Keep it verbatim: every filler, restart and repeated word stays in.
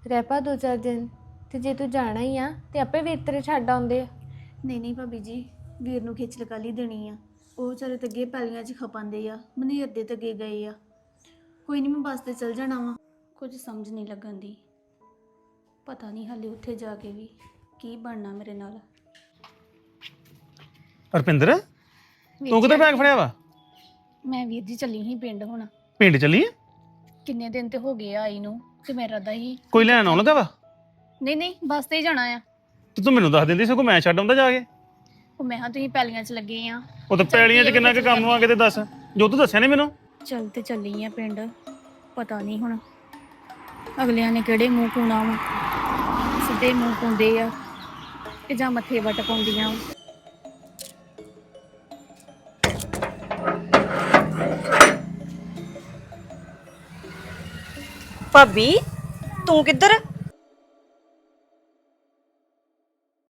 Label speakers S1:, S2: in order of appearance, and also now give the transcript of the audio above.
S1: ਰਹਿ ਪਾ ਦੋ ਚਾਰ ਦਿਨ ਤੇ ਜੇ ਤੂੰ ਜਾਣਾ ਹੀ ਆ ਤੇ ਆਪੇ ਵੀਰ ਤੇਰੇ ਛੱਡ ਆਉਂਦੇ ਆ।
S2: ਨਹੀਂ ਨਹੀਂ ਭਾਬੀ ਜੀ, ਵੀਰ ਨੂੰ ਖੇਚਲ ਕਰ ਹੀ ਦੇਣੀ ਆ। ਉਹ ਵਿਚਾਰੇ ਤੇ ਅੱਗੇ ਪੈਲੀਆਂ 'ਚ ਖਪਾਂਦੇ ਆ, ਮਨੇਰ ਦੇ ਤੇ ਅੱਗੇ ਗਏ ਆ। ਕੋਈ ਨਹੀਂ, ਮੈਂ ਬੱਸ ਤੇ ਚਲ ਜਾਣਾ ਵਾ। ਕੁਝ ਸਮਝ ਨਹੀਂ ਲੱਗਣ ਦੀ, ਪਤਾ ਨਹੀਂ ਹਾਲੇ ਉੱਥੇ ਜਾ ਕੇ ਵੀ ਕੀ ਬਣਨਾ ਮੇਰੇ ਨਾਲ।
S3: ਰਪਿੰਦਰ, ਤੂੰ ਕਿੱਧਰ ਬੈਗ ਫੜਿਆ ਵਾ?
S2: ਮੈਂ ਵੀਰ ਜੀ ਚੱਲੀ ਸੀ ਪਿੰਡ ਹੁਣ।
S3: ਪਿੰਡ ਚੱਲੀ ਆ?
S2: ਕਿੰਨੇ ਦਿਨ ਤੇ ਹੋ ਗਏ ਆ ਆਈ ਨੂੰ, ਤੇ ਮੇਰਾ ਦਾ ਹੀ
S3: ਕੋਈ ਲੈਣ ਆਉਣ ਲੱਗਾ ਵਾ?
S2: ਨਹੀਂ ਨਹੀਂ, ਬੱਸ ਤੇ ਹੀ ਜਾਣਾ ਆ।
S3: ਤੇ ਤੂੰ ਮੈਨੂੰ ਦੱਸ ਦਿੰਦੀ ਸਗੋਂ ਮੈਂ ਛੱਡ ਆਉਂਦਾ ਜਾ ਕੇ।
S2: ਉਹ ਮੈਂ ਹਾਂ ਤੁਸੀਂ ਪੈਲੀਆਂ 'ਚ ਲੱਗੇ ਆ।
S3: ਉਹ ਤਾਂ ਪੈਲੀਆਂ 'ਚ ਕਿੰਨਾ ਕੁ ਕੰਮ ਆ ਕੇ ਤੇ ਦੱਸ, ਜੋ ਤੂੰ ਦੱਸਿਆ ਨੀ ਮੈਨੂੰ।
S2: ਚੱਲ ਤੇ ਚੱਲੀ ਆ ਪਿੰਡ, ਪਤਾ ਨਹੀਂ ਹੁਣ ਅਗਲਿਆਂ ਨੇ ਕਿਹੜੇ ਮੂੰਹ ਪੂਣਾ ਵਾ। ਸਿੱਧੇ ਮੂੰਹ ਪਾਉਂਦੇ ਆ ਤੇ ਜਾਂ ਮੱਥੇ ਵੱਟ ਪਾਉਂਦੀਆਂ ਵਾ।
S4: ਭਾਬੀ ਤੂੰ ਕਿੱਧਰ?